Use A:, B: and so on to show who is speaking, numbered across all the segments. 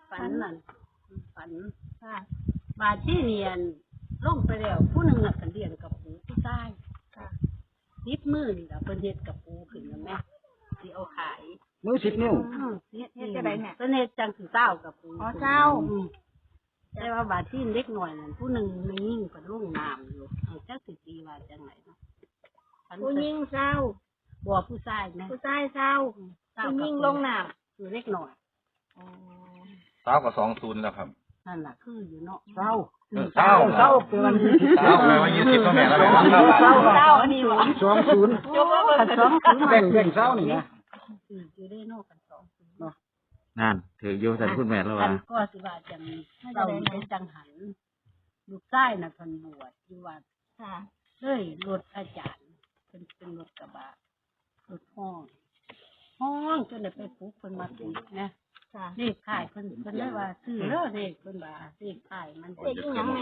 A: ฝันนั่นฝัน
B: ค่ะ
A: บาดที่เรียนลงไปแล้วผู้หนึ่งน่ะเรียนกับปูผู้ใต้
B: ค่ะ
A: นิบมือนี่ล่ะเพิ่นเฮ็ดกับปูขึ้นแล้วแม่สิเอาขาย
C: มือ10 นิ้ว
A: เฮ็ดจะได้เนี่ยเพิ่นเฮ็ดจังสิเจ้ากับปู
B: อ๋อเจ้า
A: แต่ว่าบาดที่เล็กหน่อยนั่นผู้หนึ่งมันยิ่งกับลุ่งน้ำอยู่เอาจักสิตีว่าจังไหนเนาะ
B: ผู้หญิงเศร้า
A: บัวผู้ชายนะ
B: ผู้ชายเศร้าผู้หญิงลงน้ำ
A: คือเล็กหน่อย
D: เช้ากับ20แล้วครับ
A: นั่นล่ะคืออยู่เนาะ
C: เศร้า
D: เช้า
C: เศร้าเป็นวันที่
D: เช้าแปลว่า20ก็แม่แล้วแม่
A: เจ้าอันนี้หวาน
C: 20
A: ยกว่ากันสอง
C: แบ่งเศร้านี่นะ
A: อยู่ได้นอกกันสอง
E: นั่นถือโยสันคุณแม่แล้ว
A: กั
E: ว่า
A: นก็สิว่าจังเราเป็นจังหันลูกชายน่ะเพิ่นบวชอยู่วัด
B: ค่ะ
A: เลยรถอาจารย์เป็นรถกระบะรถห้องจนได้ไปปลุกเพิ่นมาติดนะ
B: ค่ะ
A: เลขขายเพิ่นได้ว่าซื้อเด้อเลขเพิ่นว่าเลขขายมัน
B: เลขอีหยังแม่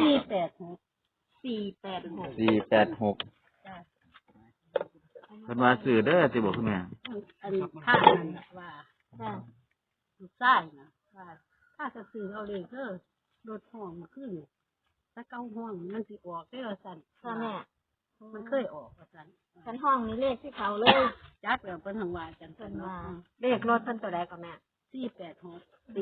A: 486
E: 486
A: จ้ะ
E: เพิ่นว่าซื้อเด้อสิบอกคุณแม่
A: อันข้านั่นน่ะว่า
B: ค่ะ
A: ลูกชายน่ะว่าถ้าจะซื้อเอาเลขเด้อรถห้องมันขึ้นถ้าเก้าห้องมันสิออกได้ว่าซั่น
B: ค่ะแม่
A: มันเคยออกว่าซั่น
B: ชั้นห้องนี้เลขที่เขาเลย
A: จักแล้วเพิ่นทางว่าจัง
B: เพิ่
A: ซั่น
B: นว่า
A: ว่า
B: เลขรถเพิ่นตัวใดก็แม่
A: 486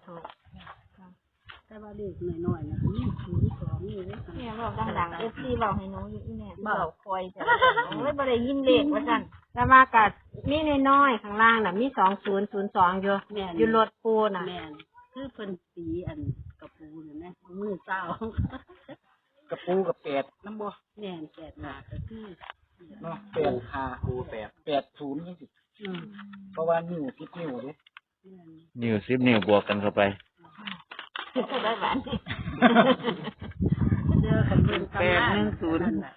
B: 486
A: แต่ว่าเด็กน้อยๆนะมี02นี่เด้อ
B: แม่บอกดังๆ FC เว้าให้หนูอยู่อีแม่เว้าคอยจ้ะโอ้ยบ่ได้ยินเลขว่าซั่น
F: แต่ว่ากัมีน้อยๆข้างล่างน่ะมี2002อยู่
A: แม่น
F: อยู่รถปูน่ะ
A: แม่นคือเพิ่นสีอันกระปูนี่นะมือเจ้าก
C: ระปูกับ8นำบ่
A: แม่นแปดหาก็คือ
C: เนาะ8 5ปู8 80จังซี่
A: อืม
C: เพราะว่านิ้ว10นิ้วเด้
A: แม่น
E: นิ้ว10นิ้วบวกกันเข้าไป
B: ได้บ้าน
A: เด้อกันเบิ่งตำรานั่นน่ะ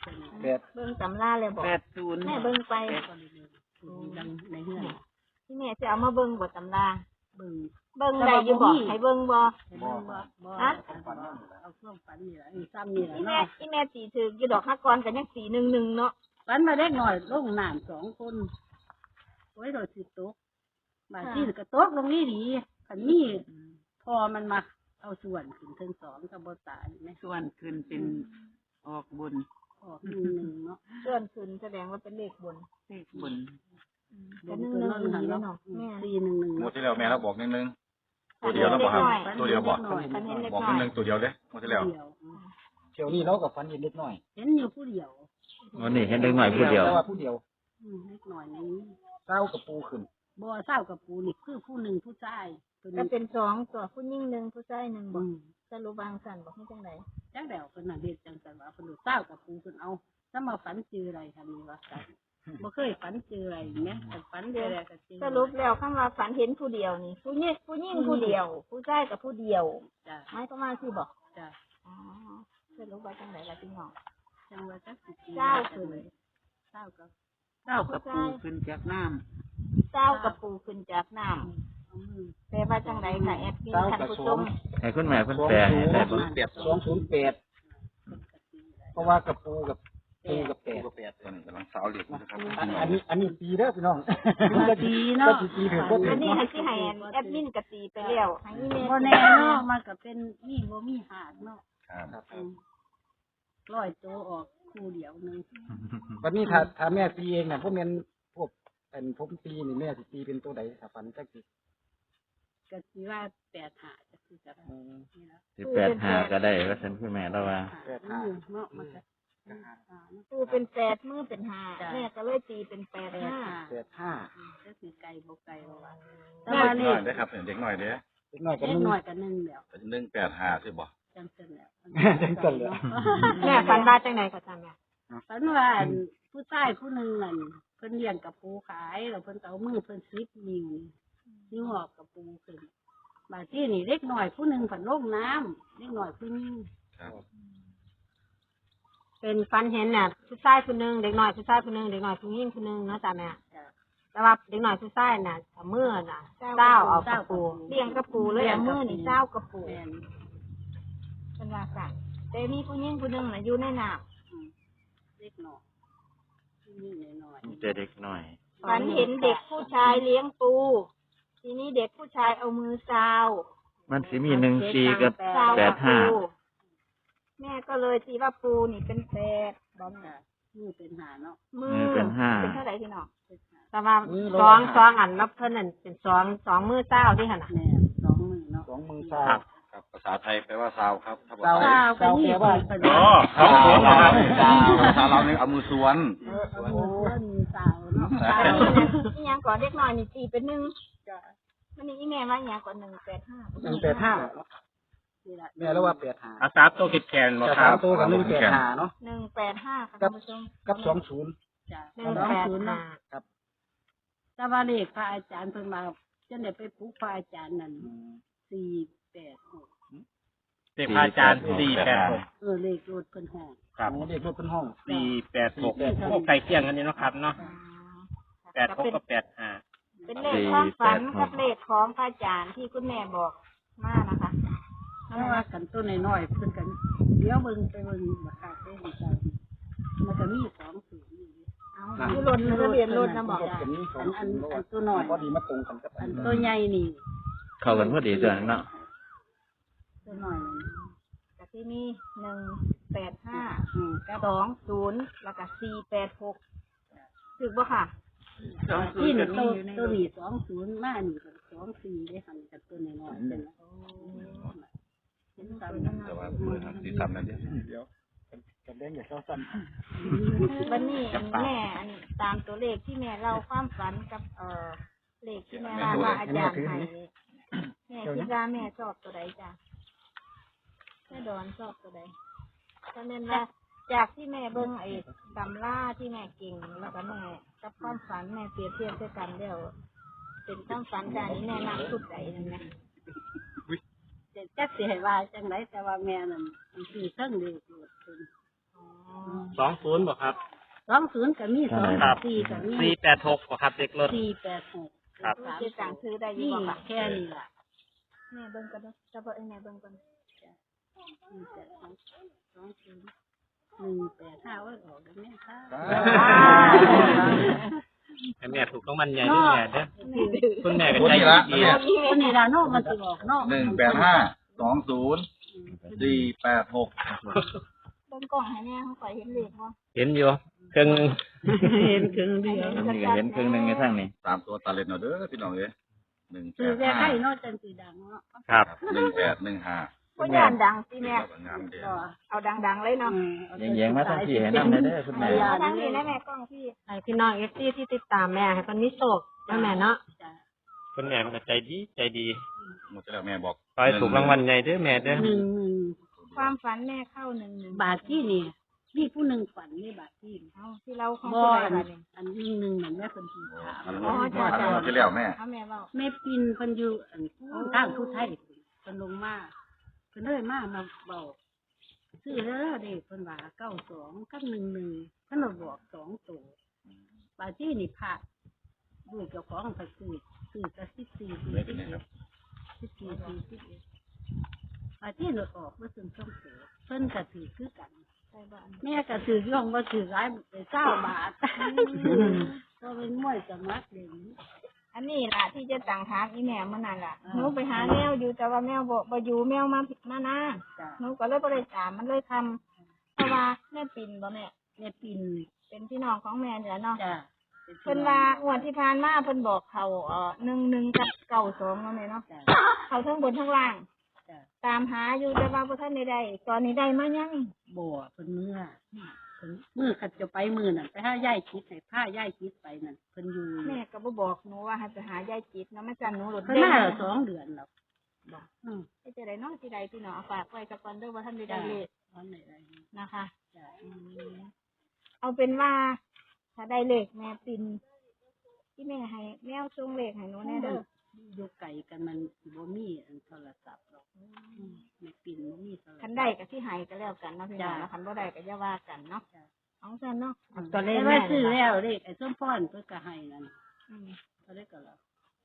C: 8
B: เบิ่งตำราเลยบอกแม่เบิ่งไป
A: ดังในเฮือน
B: ที่แม่จะเอามาเบิ่งบ่ตำรา
A: เบิ่ง
B: เบิ่งได้อยู่บ่ให้เบิ่งบ่
A: เห็นบ่บ่เอาเครื่องฝันนี่ล่ะอีซ้ำนี่ล่ะ
B: ที่แม่
A: เนาะ
B: ที่แม่ตีถืออยู่ดอกฮักกรกันยังสี11เนาะ
A: ฝันมาเด็กน้อยลงน้ำ2คนโอ้ยโดดสิตกบาดที่ก็ตกลงนี่ดีคันนี้พอมันมาเอาส่วนขึ้นถึง2ก็บ่ตายแม่
G: ส่วนขึ้นเป็นออกบน
A: ออก1เนาะ
B: ส่วนขึ้นแสดงว่าเป็นเลขบน
G: เลขบน
B: ก็1 1อีกแล้วเนาะแม่
A: 411
D: หมดที่แล้วแม่เราบอก1ตัวเดียวแล้วบอกครับตัวเดียวบอก
B: คันเห็นเล็ก
D: บอก
B: น้อย
D: 1ตัวเดียวเด้หมดที่แล้ว
A: เดียว
C: เที่ยวนี้เราก็ฝันเห็นเล็กน้อย
A: เห็นอยู่ผู้เดียว
E: วันนี้เห็นเด็กหน่อยผู้เดียว
C: แต่ว่าผู้เดียว
A: เล็กน้อยนี้
C: เศร้ากระปูขึ้น
A: บ่เศร้ากับปูนี่คือผู้หนึ่งผู้ชายตัว
B: ก็
A: นี้
B: เป็น2ตัวผู้หญิง1ผู้ชาย1บ่
A: อืม
B: สรุปวางสั่นบ่ให้จังได๋
A: จังแล้วเพิ่นน่ะเฮ็ดจังซั่นว่าเพิ่นรู้เศร้ากับปูเพิ่นเอาถ้ามาฝันเจออะไรคั่นนี่ว่าซั่นบ่เคยฝันเจออะไรแม่แต่ฝันเจออะไรก็เจอ
B: สรุปแล้วคำว่าฝันเห็นผู้เดียวนี่ผู้หญิงผู้เดียว ผู้ชายกับผู้เดียว
A: จ้ะ
B: หมายความว่าสิบ่
A: จ้ะ
B: อ๋อสรุปว่าจังได๋ล่ะพี่น้อง
A: จังว่าจักสิ
B: เศร้าขึ้น
A: เศร้ากับ
G: เต้ากับปูขึ้นจากน้
B: เจ้ากับปูขึ้นจากน้ำ
A: เอามือ
B: แปลว่าจังไดค่ะแอดมินท่านผู้ชม
E: ให้คุณแม่เพิ่นแปลให้ได้บ่
C: 208เพราะว่ากระปูกับปูกับ8
D: ตอนนี้กำลังสาวเหล็กนะครับ
C: อันนี้ตีเด้อพี่น้อง
A: ก็ดีเนาะ
C: ก็ตีถึงก็ถึ
B: อั
C: ง
B: นนี้ให้สิให้แอดมินกะตีไปแล้วให้อีเมล
A: บ่แน่เนาะมันก็เป็นมีบ่มีหาดเนาะ
D: ครับ
A: ร้อยตัวออกคู่เดียวนึง
C: วันนี้ถ้าแม่ตีเองน่ะพวกแม่นพวกเป็นผมตีนี่แม่สิตีเป็นตัวใดถ้าฝันจักสิ
A: ก็สิว่า8หาจักสิจะนี่ล่ะ
E: 185ก็ได้ว่าซั่นคุณแม่แล้วว่า
A: เนาะมันก็
B: ปูเป็น8มือเป็น5แม่ก็เลยตีเป็น8 5
C: 85
A: ก็คือไก่บ่ไก่บ่ว่า
D: เด็กน้อยได้ครับเด็กน้อยเด้
C: เล็กน้อยก็
A: เล็ก
C: นึง
A: น้อยก็นึ่งแล้ว
D: 185สิบ่
A: จังซั่นแล้ว
C: จังซั่นแล้ว
F: แม่ฝันว่าจังไดก็จ้าแม่
A: ฝันว่าผู้ชายผู้หนึงนั่นเพิ่นเลี้ยงกับปูขายแล้วเพิ่นก็เอามือเพิ่นซิบนิ้วออกกับปูขึ้นบาดที่นี่เล็กน้อยผู้หนึงเพิ่นลงน้ำเล็กน้อยผู้นึง
D: ครับ
F: เป็นฝันเห็นน่ะผู้ชายผู้หนึงเด็กน้อยผู้ชายผู้หนึงเด็กน้อยผู้หญิงผู้หนึงเนาะจ้าแม่
A: จ้ะ
F: แต่ว่าเด็กน้อยผู้ชายน่ะเอามือน่ะเจ้าเอากระปู
B: เลี้ยงกับปูเลยเอามือนี่เจ้ากับปู
A: แม่น
B: เป็นว่าสั่นแต่มีผู้หญิงผู้หนึงน่ะอยู่ในน้
A: เล็กน้อยผู้หญิงน้อย
E: เจอเด็กหน่อย
B: ำฝันเห็นเด็กผู้ชายเลี้ยงปู ทีนี้เด็กผู้ชายเอามือซาว
E: มันสิมี14กับ
B: เก้ากับปู
E: 85
B: แม่ก็เลยตีว่าปูนี่เป็นแปดบอม
A: จ้ะมือเป็นหาเนาะ
B: มือ
E: เป็นห้า
B: เป็นเท่าไหร่พี่น้อง
F: แต่ว่าสองอันแล้วเพิ่นนั่นเป็นสองมือเจ้าที่หั่นน่ะ
A: แม่สองมือเนาะ
C: สองมือซ้าย
D: ครับภาษาไทยแปลว่าซาวครับถ้าภา
C: เสา
D: ษา
A: เจ้าก็นี่
C: แปลว่า
A: เป็น
D: อ๋อครับผมนะครับซาวภาษาเราเนี่ยเอามือสวน
A: มือสาวเนาะ
B: อีหยังก่อนเด็กน้อยนี่ตีเป็นหนึ่งมันนี่อีแม่ว่าอีหยังก่อน185
A: นี่แหละ
C: แม่แล้วว่า85
H: อาสาตัวคิดแคนบ่
C: จะ
H: ค
C: สา
H: รั
C: ม
H: บ
C: ตัวกับ185เนาะ
B: 185ค่ะท่านผู้ชม
C: กับ20
A: จ้ะ
F: 185
A: เนาะแต่ว่าเลขพระอาจารย์เพิ่นมาจนได้ไปปลุกพระอาจารย์นั่น486
H: เด็กพระอาจารย์486
A: เลขรถเพิ่นห้อง
H: ครับ
C: โอ้เด็กรถเป็นห้อง
H: 486โอ้ใกล้เคียงกันนี่เนาะครับเนาะ86กับ85
B: เป็นเลขความฝันกับเลขของพระอาจารย์ที่คุณแม่บอกมานะคะ
A: เพราะว่ากันต้นน้อยๆเพิ่นกันเดี๋ยวเบิ่งไปเบิ่งบักคักเด้อจ้ะมันก็มี20อยู่
B: เอาที่รถทะเบียนรถนะบอก
C: รถเป็นสอง
A: อัน
C: เพราะว่า
A: ตัวน้อย
C: พอดีมาตรงกันกับ
A: อันตัวใหญ่นี่
E: เข้ากันพอดีจ้ะเนาะ
A: ตัวน้อยนี่
B: แต่ที่นี่185
A: กับ
B: 20แล้วก็486ถูกบ่ค่ะ
A: ที่นี่ตัวนี้20มานี่ก็24ได้หั่นกับตัวน้อยๆเป็นเห็นตามนั้น
D: แต่ว่าเปิดสีซ้ำนั่นเดียว
C: กันแดงอย่าเข้าสั้น
B: วันนี้แม่อันตามตัวเลขที่แม่เล่าความฝันกับเลขที่แม่ว่าอาจารย์ให้นี่แม่คิดว่าแม่ชอบตัวใดจ้ะแม่ดอนชอบตัวใดก็แม่นว่าจากที่แม่เบิ่งไอ้ตำราที่แม่เก่งแล้วก็แม่กับความฝันแม่เปรียบเทียบด้วยกันแล้วเป็นความฝันจานนี้แม่มักสุดใดนั่นแหละ
A: จักสิให้ว่าจังไดแต่ว่าแม่นั่นมันสิเทิงเลขรถเพิ่น
H: 20บ่ครับ
A: 20ก็มี24ก็มี
H: 486บ่ครับเด็กรถ
A: 486
H: ครับ
B: เจ๊ต่างซื้อได้อยี่
A: นี่
B: บ่ค่ะ
A: แค่นี้ล่ะ
B: แม่เบิ่งกันเด้อจะบอกแม่เบิ่งกัน
A: 185ไว้ออกได้แม่ค่ะ
H: ให้แม่ถูกรางวัลใหญ่ด้วยแม่เด้อคุณแม่ก็
D: คน
H: ใจ
D: นี้ละ
H: ดี
D: เนี่ย
A: คนนี้ล่ะเนาะมันสิออกเนาะ
D: 185 20 486
B: เบิ่งกล่องให้แม่เขาข่อยเห็นเลขบ่
H: เห็นอยู่ครึ่ง
A: เห็นครึ่งเดียว
E: อันนี้ก็เห็นครึ่งหนึงในทางนี้
D: ตามตัวตาเล็ดเนาะเด้อพี่น้องเอ้ย
A: คือแค่ให้เนาะจังสิดังเนาะ
H: ครับ
D: 1815
B: บ่ย่านดังสิแม่
D: งามเด้อ
B: เอาดังๆเลยเนาะ
E: แยงๆมาทางพี่ให้นำได้เด้อคุณแม่
B: เอาทางนี้นะแม่กล้องพี่
F: ให้พี่น้อง FC ที่ติดตามแม่ให้เพิ่นมีโชคนะแม่เนาะ
H: คุณแม่มันก็ใจดี
D: หมดแล้วแม่บอก
H: ขอให้ถูกรางวัลใหญ่เด้อแม่เด้อ
A: 1
B: ความฝันแม่เข้า11
A: บาทที่นี่มีผู้หนึ่งฝันนี่บาทที่
B: เอาที่เราของ
A: บ่
B: ผู้ใด
A: อัน
B: บัดนี้
A: อันหนึ่งนั่นแม่เพิ่นสิถาม
B: อ๋อจ้ะ
D: ที่แล้วแม่
B: เอาแม่เว้า
A: แม่ปินเพิ่นอยู่อันทางผู้ไทยเพิ่นลงมาเพิ่นเลยมาเว้าซื้อเด้อเด้เพิ่นว่า92กับ11เพิ่นมาบอก2ตัวบาทที่นี่พระด้วยเจ้าของเพิ่นซื้อแต่14
D: ไม่เป็นไรครับ
A: บาทที่หนูออกบ่ถึง2ตัวเพิ่นก็ถือคือกัน
B: ใส่บ่อัน
A: แม่ก็ถือย่องบ่ถือหลายไป9บาทก็เป็นมวยสมัครเด่น
B: อันนี้ล่ะที่จะต่างถามอีแม่เมื่อนั้นล่ะหนูไปหาแมวอยู่แต่ว่าแมวบ่อยู่แมวมานะ
A: จ้ะ
B: หนูก็เลยบ่ได้ตามมันเลยทำเพราะว่าแม่ปิ่นบ่แม่
A: แม่ปิน
B: เป็นพี่น้องของแม่นี่แหละเนาะ
A: จ้ะ
B: เพิ่นว่างวดที่ผ่านมาเพิ่นบอกเขา11กับ92เนาะแม่เนาะ
A: จ้ะ
B: เขาทั้งบนทั้งล่าง
A: จ้ะ
B: ตามหาอยู่แต่ว่าบ่ทันได้ตอนนี้ได้มายัง
A: บ่เพิ่นเพิ่นมือขัดจะไปมือนั่นไปหายายคิดให้พายายคิดไปนั่นเพิ่นอยู่
B: แม่ก็บ่บอกหนูว่าให้ไปหายายจิตเนาะแม่จันหนูหลุด
A: เพิ่น
B: เด้
A: มา2 เดือนแล้วบ่อือ
B: ไปจะได้เนาะสิได้พี่น้องเอาฝากไว้กับก่อนเด้อว่าท่านได้เลข
A: วันไหนได้
B: นะคะ
A: จ้ะ
B: เอาเป็นว่าถ้าได้เลขแม่ปินที่แม่ให้แมวส่งเลขให้หนูแน่เด้อ
A: อยู่ไกลกันมันสิบ่มีอันโทรศัพท์หรอกแม่ปินบ่มีโทรศัพท์
B: คันได้ก็ที่ให้ก็แล้วกันเนาะพี่น้องเนาะคันบ่ได้ก็อย่าว่ากันเนาะเอาซั่นเนาะ
F: ตัวเลข
A: แต่
F: แม่
A: ว่าซื้อแล้วเลขไอ้ส้มพรเพิ่นก็ให้นั่น
B: อืม
A: เขาได้ก็แล้ว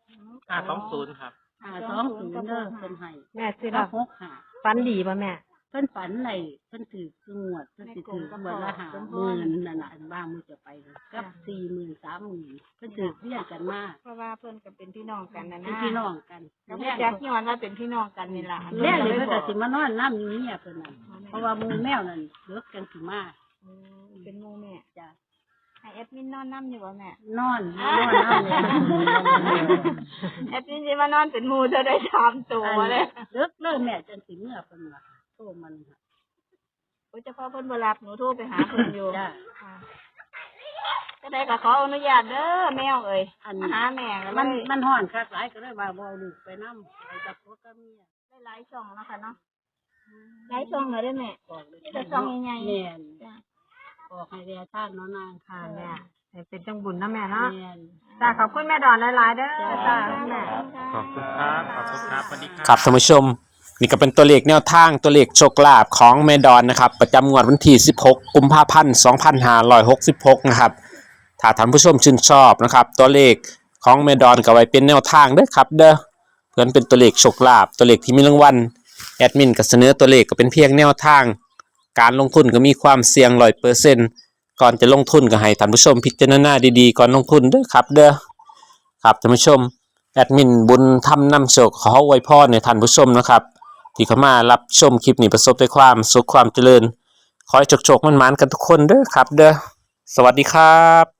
H: 520ครับ
A: 20เด้อเพิ่นให้
F: แม่ซื้อ
A: แล้
F: แล้ว ว
A: 65
F: ฝันดีป่ะแม่
A: พิ่นฝันไหนเพิ่นถือคืองวดเพิ่นสิถือวันละ50,000นั่นน่ะอันบ้างมือจะไปเลยกับ40,000 30,000เพิ่นถือเรียกกันมา
B: เพราะว่าเพิ่นก็เป็นพี่น้องกันนะ
A: เป็น
B: นะ
A: พี่น้องกัน
B: แล้วแจ็คย้อนว่าเป็นพี่น้องกันนี่ล่ะ
A: แรกเลยเพิ่นก็สิมานอนน้ำอยู่เนี่ยเพิ่นน่ะเพราะว่าหมูแมวนั่นเลิกกันสิมา
B: เป็นหมู่แม่
A: จ้ะ
B: ให้แอดมินนอนน้ำอยู่บ่แม่
A: นอนน้ำเลย
B: แอดมินสิมานอนเป็นหมู่เธอได้3ตัวเลย
A: เลิกเลยแม่จังสิเมื่อเพิ่นว่าโทรมันค่ะ
B: โอ้ยเฉพาะเพิ่นบ่รับหนูโทรไปหาเพิ่นอยู่
A: จ้ะ
B: ค่ะก็ได้ก็ขออนุญาตเด้อแมวเอ้ย
A: อัน
B: มาหาแม่ก็เล
A: มัน
B: ย
A: มันฮ้อนคักหลายก็เลยว่าบ่เอาลูกไปนำไปกับพ่อกับเมีย
B: ได้หลายช่องแล้วค่ะเนาะหลายช่องเลยได้อแม่
A: บอกเลย
B: ที่จะช่องใหญ่ๆ
A: แม่น
B: จ้ะ
A: บอกให้แร่ท่านเนาะนาง
F: ค่ะแม่ให้เป็นจังบุญนะแม่เนาะ
A: แม่น
F: จ้าขอบคุณแม่ดอนหลายๆเด้อจ้าแม่
H: ขอบคุณครับขอบคุณครับสวัสดีครับ
I: ครับท่านผู้ชมนี่ก็เป็นตัวเลขแนวทางตัวเลขโชคลาภของแม่ดอนนะครับประจำงวดวันที่16กุมภาพันธ์2566นะครับถ้าท่านผู้ชมชื่นชอบนะครับตัวเลขของแม่ดอนก็ไว้เป็นแนวทางเด้อครับเด้อเพื่อนเป็นตัวเลขโชคลาภตัวเลขที่มีรางวัลแอดมินก็เสนอตัวเลขก็เป็นเพียงแนวทางการลงทุนก็มีความเสี่ยง 100% ก่อนจะลงทุนก็ให้ท่านผู้ชมพิจารณาดีๆก่อนลงทุนเด้อครับเด้อครับท่านผู้ชมแอดมินบุญทำนำโชคขออวยพรในท่านผู้ชมนะครับที่เข้ามารับชมคลิปนี้ประสบแต่ความสุขความเจริญขอให้โชคๆมันๆกันทุกคนเด้อครับเด้อสวัสดีครับ